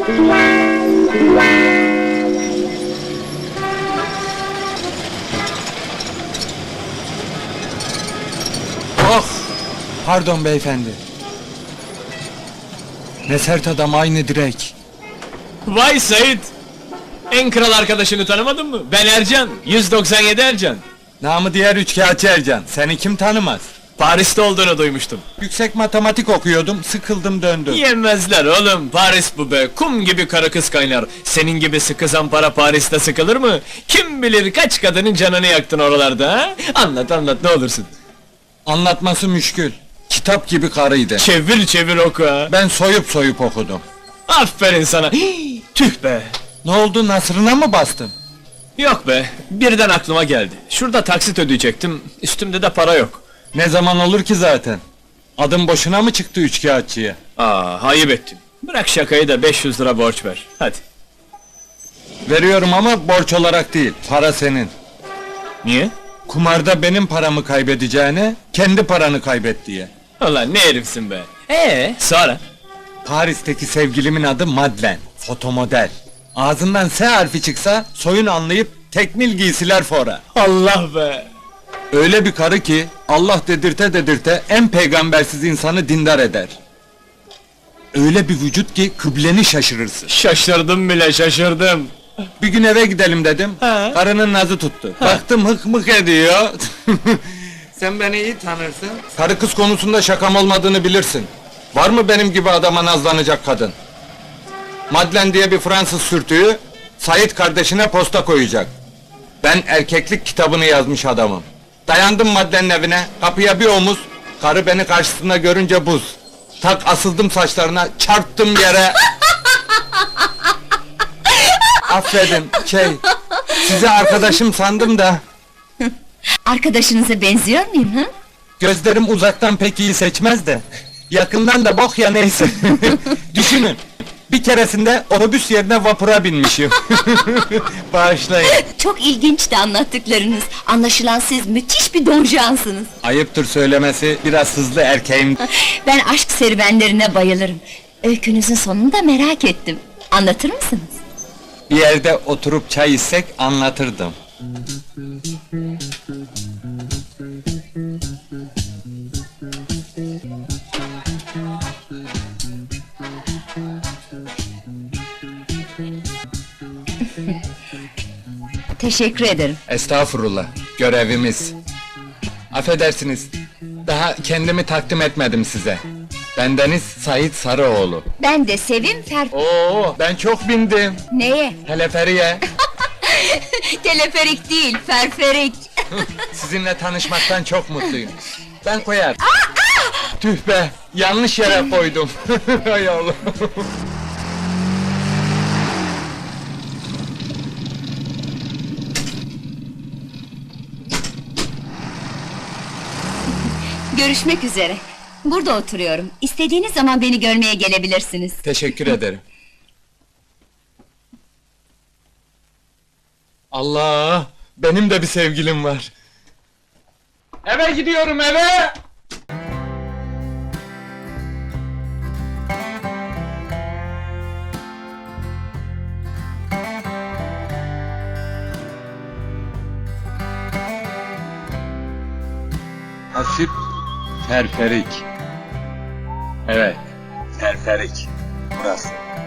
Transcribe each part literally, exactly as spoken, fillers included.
Oh! Pardon beyefendi. Ne sert adam, aynı direk. Vay Sait! En kral arkadaşını tanımadın mı? Ben Ercan, yüz doksan yedi Ercan. Namı diğer üçkağıtçı Ercan. Seni kim tanımaz? Paris'te olduğunu duymuştum. Yüksek matematik okuyordum, sıkıldım döndüm. Yemezler oğlum, Paris bu be, kum gibi karı kız kaynar. Senin gibi sıkı zampara Paris'te sıkılır mı? Kim bilir kaç kadının canını yaktın oralarda ha? Anlat anlat ne olursun. Anlatması müşkül. Kitap gibi karıydı. Çevir çevir oku ha. Ben soyup soyup okudum. Aferin sana. Hii, tüh be. Ne oldu, nasrına mı bastın? Yok be, birden aklıma geldi. Şurada taksit ödeyecektim, üstümde de para yok. Ne zaman olur ki zaten? Adım boşuna mı çıktı üçkağıtçıya? Aa, ayıp ettin. Bırak şakayı da beş yüz lira borç ver, hadi. Veriyorum ama borç olarak değil, para senin. Niye? Kumarda benim paramı kaybedeceğine, kendi paranı kaybet diye. Ulan ne herifsin be! Ee, sonra? Paris'teki sevgilimin adı Madeleine, fotomodel. Ağzından S harfi çıksa, soyun anlayıp tekmil giysiler fora. Allah be! Öyle bir karı ki, Allah dedirte dedirte en peygambersiz insanı dindar eder. Öyle bir vücut ki, kıbleni şaşırırsın. Şaşırdım bile, şaşırdım! Bir gün eve gidelim dedim, Ha. karının nazı tuttu. Baktım hık mık ediyor. Sen beni iyi tanırsın. Karı kız konusunda şakam olmadığını bilirsin. Var mı benim gibi adama nazlanacak kadın? Madeleine diye bir Fransız sürtüğü, Sait kardeşine posta koyacak. Ben erkeklik kitabını yazmış adamım. Dayandım Madeleine'in evine, kapıya bir omuz, karı beni karşısında görünce buz. Tak asıldım saçlarına, çarptım yere. Affedin, şey, size arkadaşım sandım da... Arkadaşınıza benziyor muyum ha? Gözlerim uzaktan pek iyi seçmez de... Yakından da bok ya neyse. Düşünün, bir keresinde otobüs yerine vapura binmişim. Bağışlayın. Çok ilginçti anlattıklarınız. Anlaşılan siz müthiş bir donjansınız. Ayıptır söylemesi, biraz hızlı erkeğim. Ben aşk serüvenlerine bayılırım. Öykünüzün sonunu da merak ettim. Anlatır mısınız? Bir yerde oturup çay içsek anlatırdım. Teşekkür ederim. Estağfurullah, görevimiz. Affedersiniz, daha kendimi takdim etmedim size. Bendeniz Sait Sarıoğlu. Ben de Sevim Fer... Oo, ben çok bindim. Neye? Teleferiye. Teleferik değil, ferferik. Sizinle tanışmaktan çok mutluyum. Ben koyar. Tüh be, yanlış yere koydum. Hay Allah. Görüşmek üzere. Burada oturuyorum. İstediğiniz zaman beni görmeye gelebilirsiniz. Teşekkür ederim. Allah! Benim de bir sevgilim var. Eve gidiyorum, eve! Hasip Terferik. Evet, Terferik. Burası.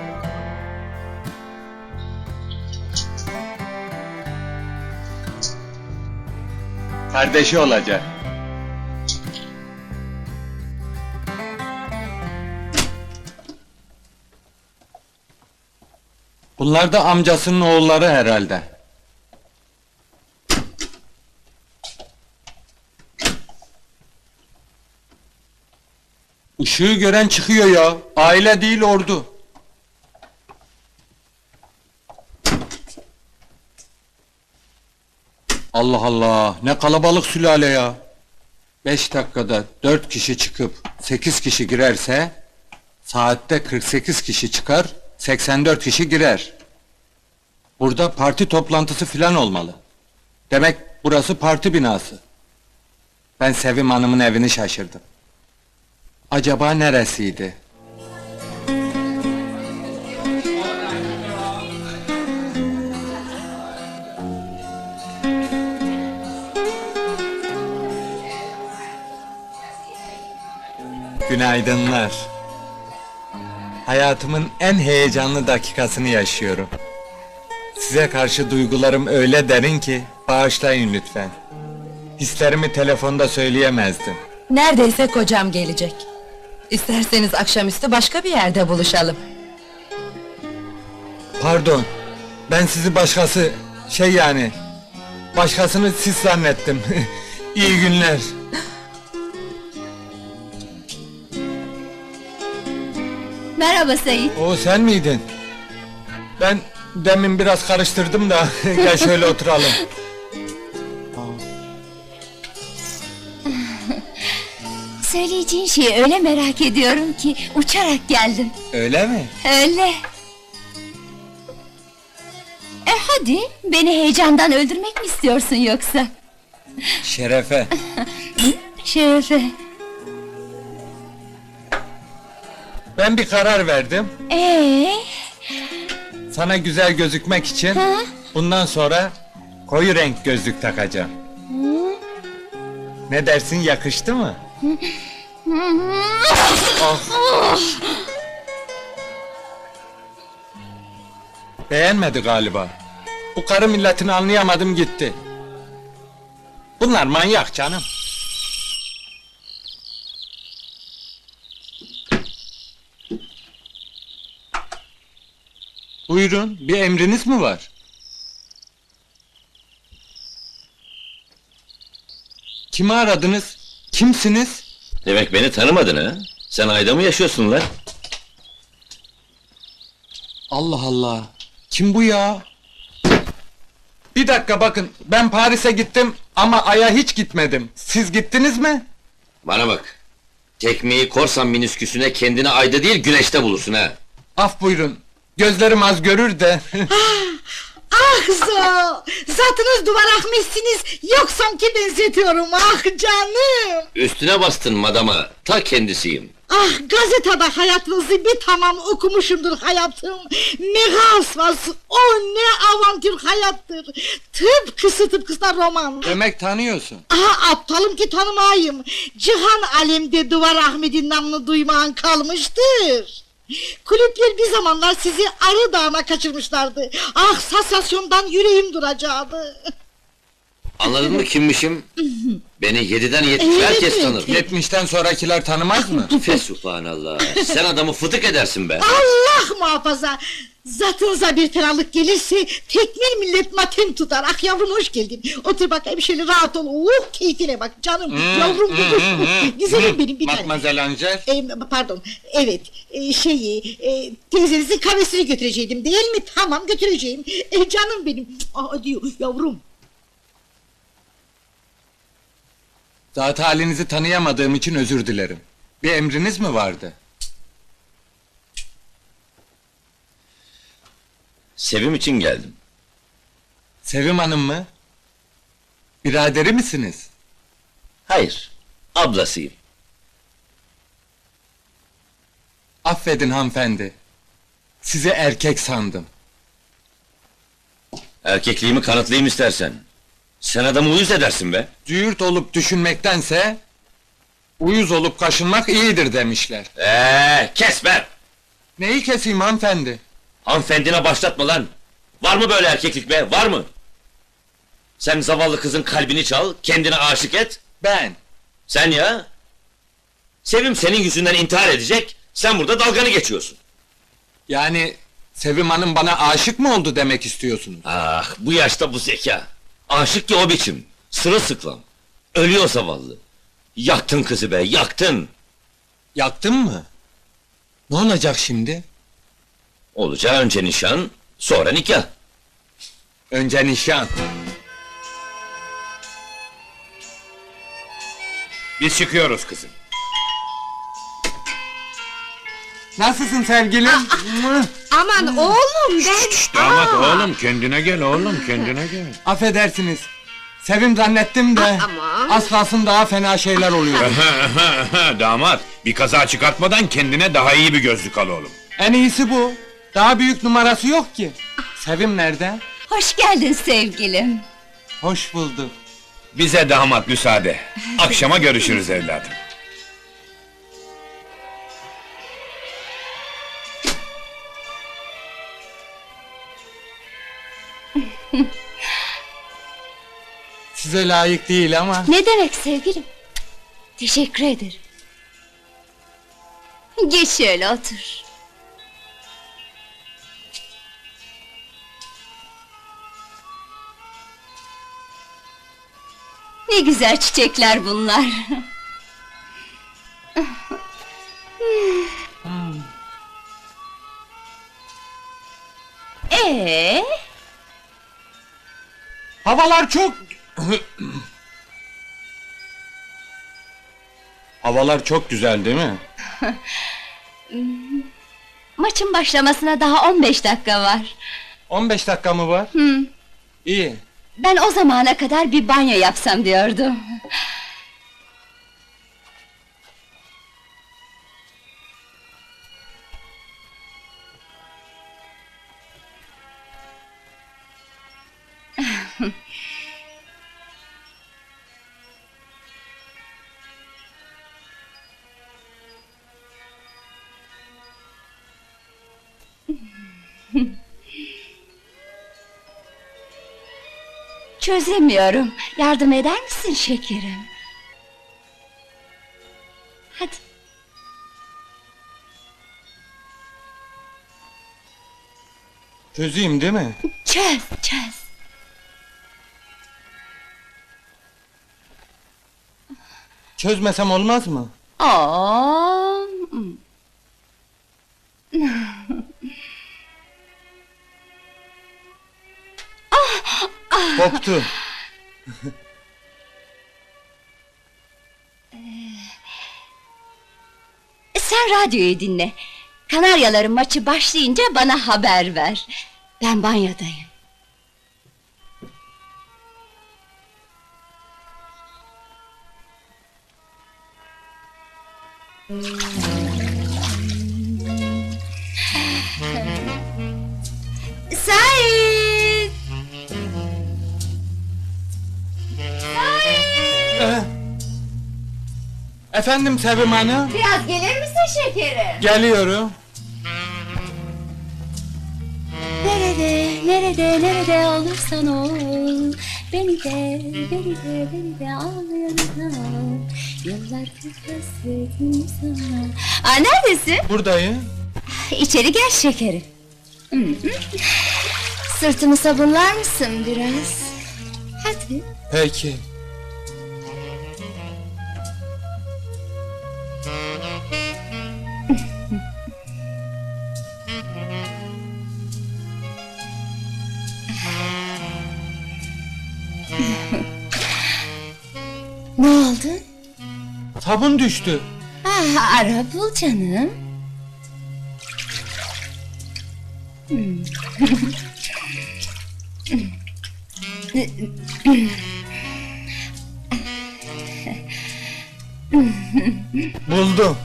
Kardeşi olacak. Bunlar da amcasının oğulları herhalde. Işığı gören çıkıyor ya. Aile değil ordu. Allah Allah, ne kalabalık sülale ya! Beş dakikada dört kişi çıkıp sekiz kişi girerse... ...saatte kırk sekiz kişi çıkar, seksen dört kişi girer. Burada parti toplantısı filan olmalı. Demek burası parti binası. Ben Sevim Hanım'ın evini şaşırdım. Acaba neresiydi? Günaydınlar. Hayatımın en heyecanlı dakikasını yaşıyorum. Size karşı duygularım öyle derin ki, bağışlayın lütfen. Hislerimi telefonda söyleyemezdim. Neredeyse kocam gelecek. İsterseniz akşamüstü başka bir yerde buluşalım. Pardon, ben sizi başkası, şey yani... Başkasını siz zannettim. İyi günler. Merhaba Sait. O sen miydin? Ben demin biraz karıştırdım da, gel şöyle oturalım. Söyleyeceğin şeyi öyle merak ediyorum ki uçarak geldim. Öyle mi? Öyle. E hadi, beni heyecandan öldürmek mi istiyorsun yoksa? Şerefe. Şerefe. Ben bir karar verdim. Ee, Sana güzel gözükmek için Ha? bundan sonra koyu renk gözlük takacağım. Ne dersin, yakıştı mı? Ah. Beğenmedi galiba. Bu karı milletini anlayamadım gitti. Bunlar manyak canım. Buyurun, bir emriniz mi var? Kimi aradınız? Kimsiniz? Demek beni tanımadın ha? Sen ayda mı yaşıyorsun lan? Allah Allah! Kim bu ya? Bir dakika bakın, ben Paris'e gittim ama Ay'a hiç gitmedim. Siz gittiniz mi? Bana bak. Tekmeyi korsan minisküsüne kendini ayda değil güneşte bulursun ha. Af buyurun, gözlerim az görür de. Ah zo! Zatınız duvar akmışsınız, yoksa ki benzetiyorum, ah canım! Üstüne bastın madama, ta kendisiyim. Ah, gazetede hayatınızı bir tamam okumuşumdur hayatım! Megasvas, o ne avantür hayattır! Tıpkısı tıpkısına roman! Demek tanıyorsun. Aha, aptalım ki tanımayayım! Cihan alemde Duvar Ahmet'in namını duymayan kalmıştır! Kulüpler bir zamanlar sizi Arı Dağı'na kaçırmışlardı. Ah, sansasyondan yüreğim duracaktı. Anladın mı kimmişim? Beni yediden yetmiş herkes Evet. tanır. Yetmişten sonrakiler tanımaz mı? Fesubhanallah, sen adamı fıtık edersin be! Allah muhafaza! Zatınıza bir fenalık gelirse tekmil millet matem tutar. Ah yavrum, hoş geldin. Otur bakayım şöyle, rahat ol. Oh, keyfine bak canım. Yavrum benim. Güzelim benim bir tane. Mademoiselle Angel. Ee, pardon, evet, ee, şeyi, e, teyzenizin kahvesini götürecektim değil mi? Tamam, götüreceğim. E, canım benim. Aa, diyor yavrum. Zat halinizi tanıyamadığım için özür dilerim. Bir emriniz mi vardı? Sevim için geldim. Sevim Hanım mı? Biraderi misiniz? Hayır, ablasıyım. Affedin hanımefendi. Sizi erkek sandım. Erkekliğimi kanıtlayayım istersen. Sen adamı uyuz edersin be! Cüğürt olup düşünmektense... ...uyuz olup kaşınmak iyidir demişler. Eee, kes be! Neyi keseyim hanımefendi? Hanımefendine başlatma lan! Var mı böyle erkeklik be, var mı? Sen zavallı kızın kalbini çal, kendine aşık et. Ben. Sen ya! Sevim senin yüzünden intihar edecek, sen burada dalganı geçiyorsun. Yani... Sevim Hanım bana aşık mı oldu demek istiyorsunuz? Ah, bu yaşta bu zeka! Aşık ki o biçim, sırılsıklam. Ölüyor zavallı. Yaktın kızı be, yaktın! Yaktın mı? Ne olacak şimdi? Olacağı önce nişan, sonra nikah. Önce nişan. Biz çıkıyoruz kızım. Nasılsın sevgilim? Aman oğlum, ben... Damat oğlum, kendine gel oğlum, kendine gel. Affedersiniz. Sevim zannettim de... Aman. Az kalsın daha fena şeyler oluyor. Damat, bir kaza çıkartmadan kendine daha iyi bir gözlük al oğlum. En iyisi bu. Daha büyük numarası yok ki. Sevim nerede? Hoş geldin sevgilim. Hoş bulduk. Bize damat müsaade. Akşama görüşürüz evladım. Size layık değil ama... Ne demek sevgilim? Teşekkür ederim. Geç şöyle otur. Ne güzel çiçekler bunlar. Ee, Havalar çok... Havalar çok güzel değil mi? maçın başlamasına daha on beş dakika var. on beş dakika mı var? Hı. İyi. Ben o zamana kadar bir banyo yapsam diyordum. Çözemiyorum. Yardım eder misin şekerim? Hadi. Çözeyim değil mi? Çöz, çöz. Çözmesem olmaz mı? Oo. Koptu. Sen radyoyu dinle. Kanaryaların maçı başlayınca bana haber ver. Ben banyodayım. Sait! Ee, Efendim Sevim Hanım? Biraz gelir misin şekerim? Geliyorum. Nerede, nerede, nerede olursan ol, beni de, beni de, beni de al yanına al. Yıllardır hasretim sana. Aa, neredesin? Buradayım. İçeri gel şekerim. Hı hı. Sırtımı sabunlar mısın biraz? Hadi. Peki. Ne oldu? Sabun düştü. Ah, ara bul canım. Buldum.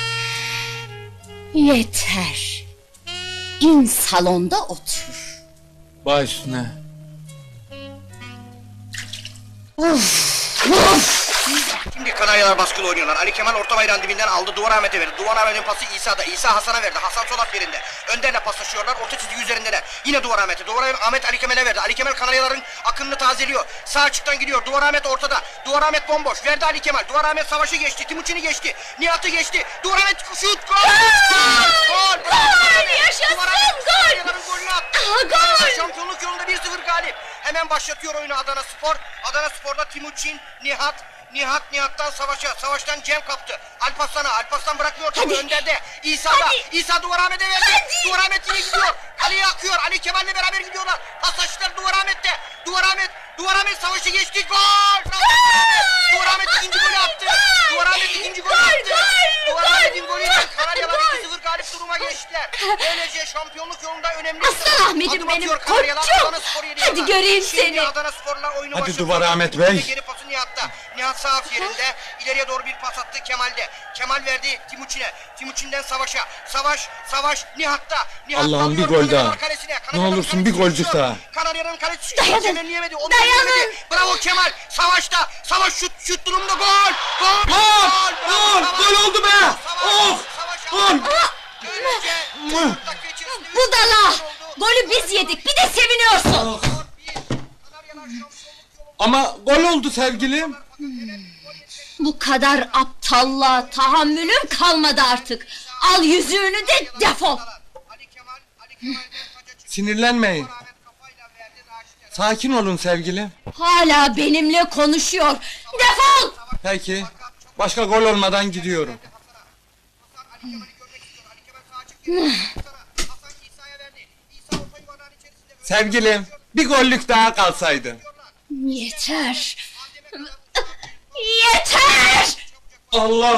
Yeter. İn salonda otur. Baş üstüne. Şimdi Kanaryalar baskılı oynuyorlar. Ali Kemal orta bayrağın dibinden aldı. Duvar Ahmet'e verdi. Duvar Ahmet'in pası İsa'da. İsa Hasan'a verdi. Hasan sol at yerinde. Önderle paslaşıyorlar. Orta çizgi üzerindeler. Yine Duvar Ahmet'e. Duvar Ahmet Ali Kemal'e verdi. Ali Kemal Kanaryaların akınını tazeliyor. Sağ açıktan gidiyor. Duvar Ahmet ortada. Duvar Ahmet bomboş. Verdi Ali Kemal. Duvar Ahmet savaşı geçti. Timuçin'i geçti. Nihat'ı geçti. Duvar Ahmet şut. Gol! Gol! Gol! Yaşasın, Duvar Ahmet gol! Kanaryaların golünü attı. Aha, gol! Şampiyonluk yolunda bir sıfır galip. Hemen başlatıyor oyunu Adana Spor. Adana Spor'da Timuçin, Nihat, Nihat Nihat'tan Savaş'a, Savaş'tan Cem kaptı. Alparslan'a, Alparslan bırakmıyor topu Önder'de. İsa'da, Hadi. İsa Duvar Ahmet'e verdi. Hadi. Duvar Ahmet yine gidiyor. Ali'ye akıyor. Ali Kemal'le beraber gidiyorlar. Pasajlar Duvar Ahmet'te. Duvar Ahmet, Duvar Ahmet Savaş'ı geçti. Gol! Duvar Ahmet ikinci golü attı. Duvar Ahmet ikinci golü attı. Duvar Ahmet'in golüyle Kanaryalar iki sıfır galip duruma geçtiler. Böylece şampiyonluk yolunda önemli Aslan Ahmet'im adım benim, atıyor Kanaryalar. koçum. Adana Spor'u yeniyorlar. Hadi göreyim Şimdi seni. Adana Spor'la oyunu Hadi başlatıyor. Duvar Ahmet Bey. Geri pası Nihat'ta. Nihat sağ af yerinde. İleriye doğru bir pas attı Kemal'de. Kemal verdi Timuçin'e. Timuçin'den Savaş'a. Savaş, Savaş Nihat'ta. Nihat Allah'ım bir alıyor gol Kanaryalar daha. kalesine. Ne Kanaryalar olursun bir kalesi golcük düşüyor. daha. Kanaryaların kalesi Dayanın. düşüyor. Kemal'leyemedi. Onu Dayanın. yemedi. Bravo Kemal. Savaş'ta. Savaş şut, şut durumda gol. Gol. Gol! Bravo Gol! Savaş. Gol oldu be! Savaş, Of! Savaş Gol! aldı. Böylece dört dakika içerisinde üç Budala! gol oldu. Golü biz yedik, bir de seviniyorsun. Skor Ama gol oldu sevgilim. Bu kadar aptallığa tahammülüm kalmadı artık. Al yüzüğünü de defol. Ali Kemal, Ali Kemal'den kaça çıktı. Sinirlenmeyin. Ahmet kafayla verdi, Raşit'e. Sakin olun sevgilim. Hala benimle konuşuyor. Defol! Peki. Başka gol olmadan gidiyorum. Hasan Ali Kemal'i görmek istiyor. Ali Kemal sağa çıktı. Hasan'a. Hasan İsa'ya verdi. İsa orta yuvarlağın içerisinde. Sevgilim, bir gollük daha kalsaydı. Yeter! Yeter! Allah!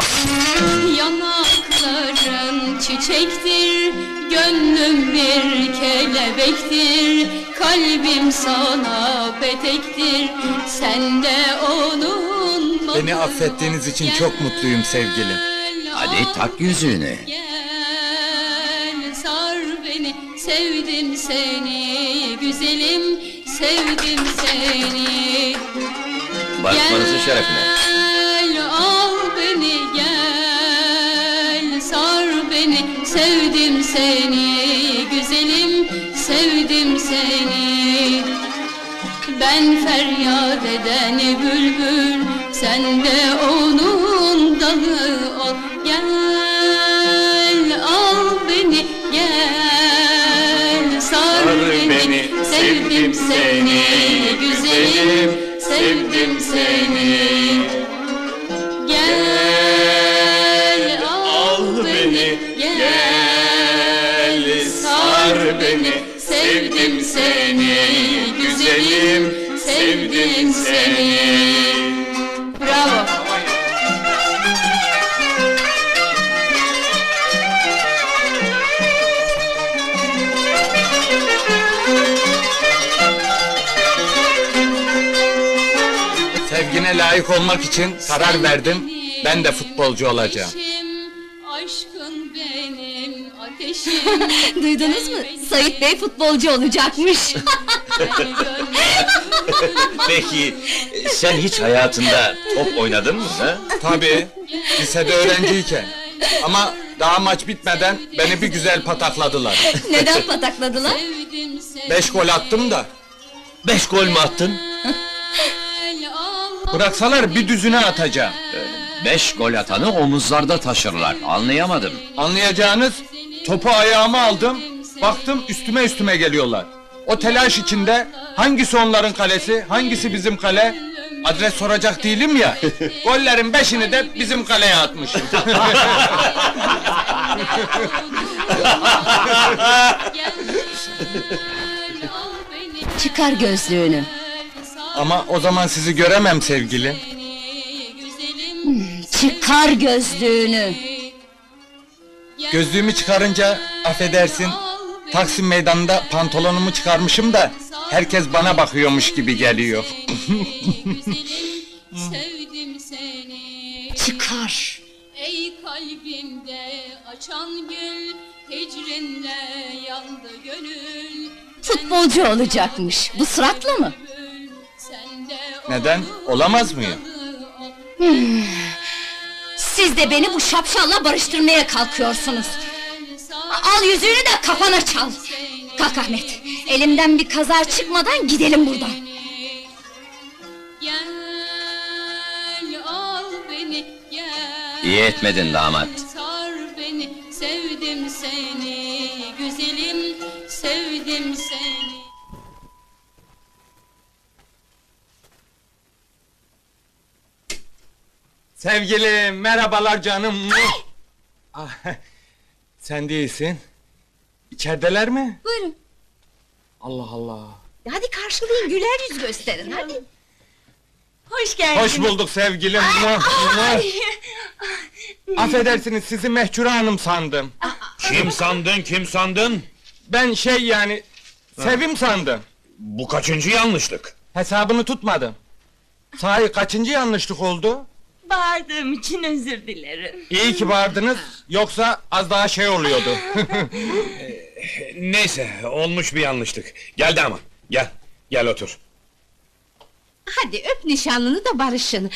Yanakların çiçektir, gönlüm bir kelebektir, kalbim sana petektir, sen de onun... Beni affettiğiniz için çok mutluyum sevgilim. Hadi tak yüzüğünü. Gel sar beni, sevdim seni, güzelim, sevdim seni. Barışmanızın şerefine. Gel al beni gel sar beni sevdim seni güzelim sevdim seni ben feryat eden bülbül sen de onun dalı ol gel al beni gel sar beni sevdim seni güzelim sevdim seni gel al beni gel sar beni sevdim seni güzelim sevdim seni bravo. Sevgine layık olmak için karar verdim. Ben de futbolcu olacağım. Aşkın benim ateşim. Duydunuz mu? Sait Bey futbolcu olacakmış. Peki, sen hiç hayatında top oynadın mı? Ha? Tabii, lisede öğrenciyken. Ama daha maç bitmeden beni bir güzel patakladılar. Neden patakladılar? Beş gol attım da. Beş gol mü attın? Bıraksalar bir düzüne atacağım. Beş gol atanı omuzlarda taşırlar. Anlayamadım. Anlayacağınız, topu ayağıma aldım, baktım üstüme üstüme geliyorlar. O telaş içinde hangisi onların kalesi, hangisi bizim kale? Adres soracak değilim ya. Gollerin beşini de bizim kaleye atmışım. Çıkar gözlüğünü. Ama o zaman sizi göremem sevgilim. Çıkar gözlüğünü. Gözlüğümü çıkarınca affedersin, Taksim meydanında pantolonumu çıkarmışım da herkes bana bakıyormuş gibi geliyor. Sevdim seni. Çıkar. Ey kalbimde açan gül, hicrinle yandı gönül. Futbolcu olacakmış. Bu suratla mı? Neden? Olamaz mıyım? Siz de beni bu şapşalla barıştırmaya kalkıyorsunuz. Al yüzüğünü de kafana çal. Kalk Ahmet. Elimden bir kaza çıkmadan gidelim buradan. Gel al beni gel. İyi etmedin damat. Sar beni sevdim seni güzelim sevdim seni. Sevgilim, merhabalar canım. Ah, sen değilsin. İçerideler mi? Buyurun. Allah Allah. Hadi karşılayın, güler yüz gösterin hadi. Hoş geldiniz. Hoş bulduk sevgilim. Muah, muah. Affedersiniz, sizi Mehcure Hanım sandım. Kim sandın, kim sandın? Ben şey yani, Sevim sandım. Bu kaçıncı yanlışlık? Hesabını tutmadım. Sahi kaçıncı yanlışlık oldu? Bağırdığım için özür dilerim. İyi ki bağırdınız, yoksa az daha şey oluyordu. Neyse, olmuş bir yanlışlık. Geldi ama, gel, gel otur. Hadi öp nişanlını da barışın.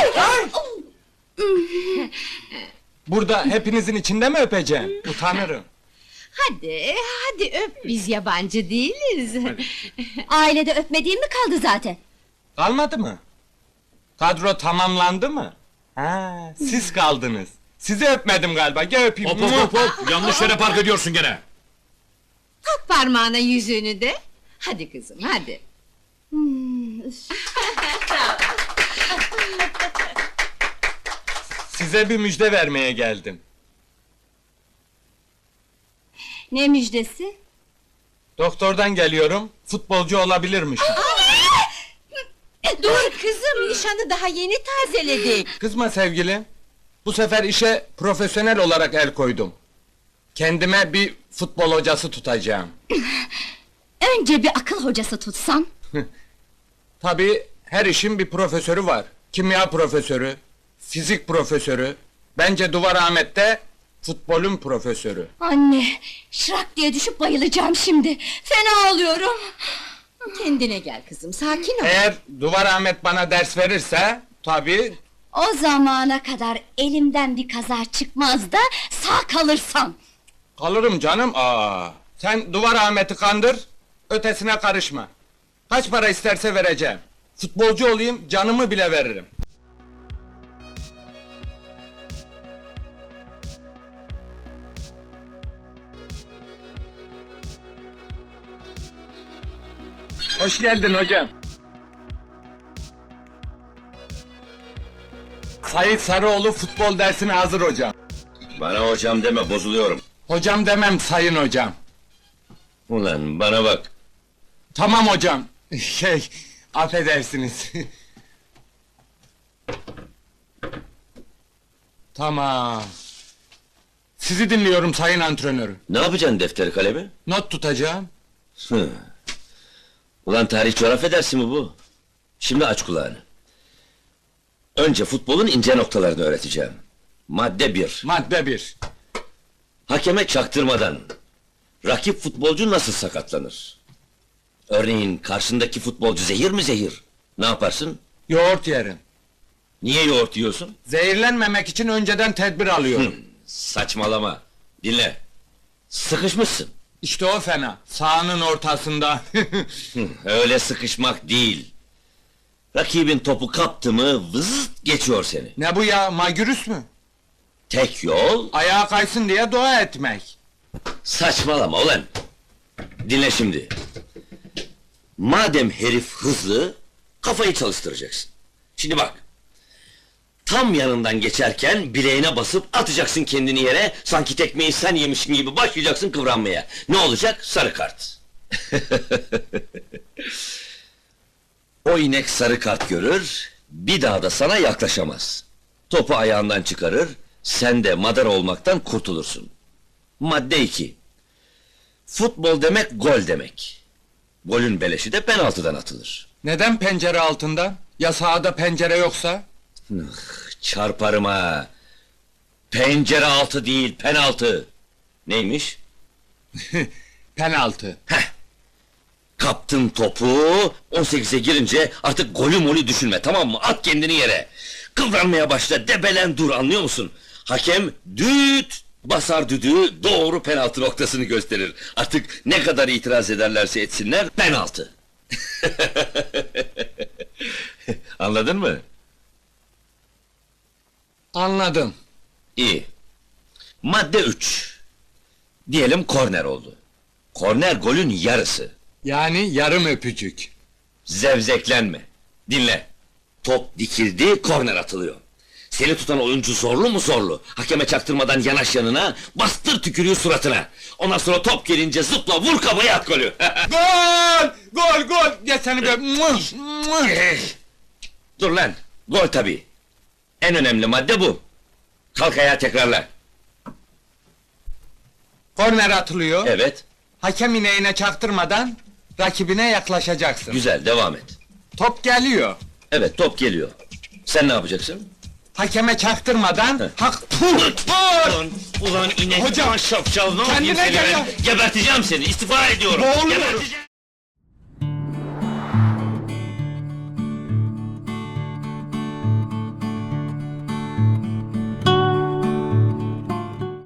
Burada hepinizin içinde mi öpeceğim? Utanırım. Hadi, hadi öp, biz yabancı değiliz. Ailede öpmediğim mi kaldı zaten? Kalmadı mı? Kadro tamamlandı mı? Ha, siz kaldınız. Sizi öpmedim galiba. Gel öpeyim. Hop hop hop hop! Yanlış yere park ediyorsun gene! Tak parmağına yüzüğünü de. Hadi kızım, hadi. Size bir müjde vermeye geldim. Ne müjdesi? Doktordan geliyorum. Futbolcu olabilirmiş. Dur kızım, nişanı daha yeni tazeledik. Kızma sevgilim. Bu sefer işe profesyonel olarak el koydum. Kendime bir futbol hocası tutacağım. Önce bir akıl hocası tutsan. Tabii her işin bir profesörü var. Kimya profesörü, fizik profesörü. Bence Duvar Ahmet'te futbolun profesörü. Anne, şırak diye düşüp bayılacağım şimdi. Fena oluyorum. Kendine gel kızım, sakin ol. Eğer Duvar Ahmet bana ders verirse, tabii O zamana kadar elimden bir kaza çıkmaz da sağ kalırsam. kalırım canım. Aa, sen Duvar Ahmet'i kandır, ötesine karışma. Kaç para isterse vereceğim. Futbolcu olayım, canımı bile veririm. Hoş geldin hocam. Sayit Sarıoğlu futbol dersine hazır hocam. Bana hocam deme, bozuluyorum. Hocam demem sayın hocam. Ulan bana bak. Tamam hocam. Şey, affedersiniz. Tamam. Sizi dinliyorum sayın antrenörüm. Ne yapacaksın defteri kalemi? Not tutacağım. Hı. Ulan tarih coğrafya dersi mi bu? Şimdi aç kulağını. Önce futbolun ince noktalarını öğreteceğim. Madde bir. Madde bir. Hakeme çaktırmadan rakip futbolcu nasıl sakatlanır? Örneğin karşındaki futbolcu zehir mi zehir? Ne yaparsın? Yoğurt yerim. Niye yoğurt yiyorsun? Zehirlenmemek için önceden tedbir alıyorum. Saçmalama. Dinle. Sıkışmışsın. İşte o fena. Sahanın ortasında. Hı, öyle sıkışmak değil. Rakibin topu kaptı mı vızıt geçiyor seni. Ne bu ya, magürüs mü? Tek yol Ayağa kaysın diye dua etmek. saçmalama ulan. Dinle şimdi. Madem herif hızlı, kafayı çalıştıracaksın. Şimdi bak. Tam yanından geçerken bileğine basıp atacaksın kendini yere, sanki tekmeyi sen yemişsin gibi başlayacaksın kıvranmaya. Ne olacak? Sarı kart. O inek sarı kart görür, bir daha da sana yaklaşamaz. Topu ayağından çıkarır, sen de madara olmaktan kurtulursun. Madde iki. Futbol demek gol demek. Golün beleşi de penaltıdan atılır. Neden pencere altında? Ya sahada pencere yoksa? Çarparım ha! Pencere altı değil, penaltı! Neymiş? Penaltı. Heh! Kaptın topu, on sekize girince artık golü molü düşünme, tamam mı? At kendini yere! Kıvranmaya başla, debelen dur, anlıyor musun? Hakem düt basar düdüğü, doğru penaltı noktasını gösterir. Artık ne kadar itiraz ederlerse etsinler, penaltı! Anladın mı? Anladım. İyi. Madde üç. Diyelim korner oldu. Korner golün yarısı. Yani yarım öpücük. Zevzeklenme. Dinle. Top dikildi, korner atılıyor. Seni tutan oyuncu zorlu mu zorlu? Hakeme çaktırmadan yanaş yanına, bastır tükürüğü suratına. Ondan sonra top gelince zıpla, vur kafaya at golü. Gol! Gol, gol! Ya seni be... Muah, muah! Dur lan, gol tabii. En önemli madde bu. Kalk ayağa tekrarla. Korner atılıyor. Evet, Hakem ineğine çaktırmadan rakibine yaklaşacaksın. güzel, devam et. Top geliyor. Evet, top geliyor. Sen ne yapacaksın? Hakeme çaktırmadan hak pul Ulan, ulan inek, Hocam, ulan şapşal, ne yapayım kendine seni gel ben? ya. Geberteceğim seni, istifa ediyorum. Boğuluyorum. Geberteceğim.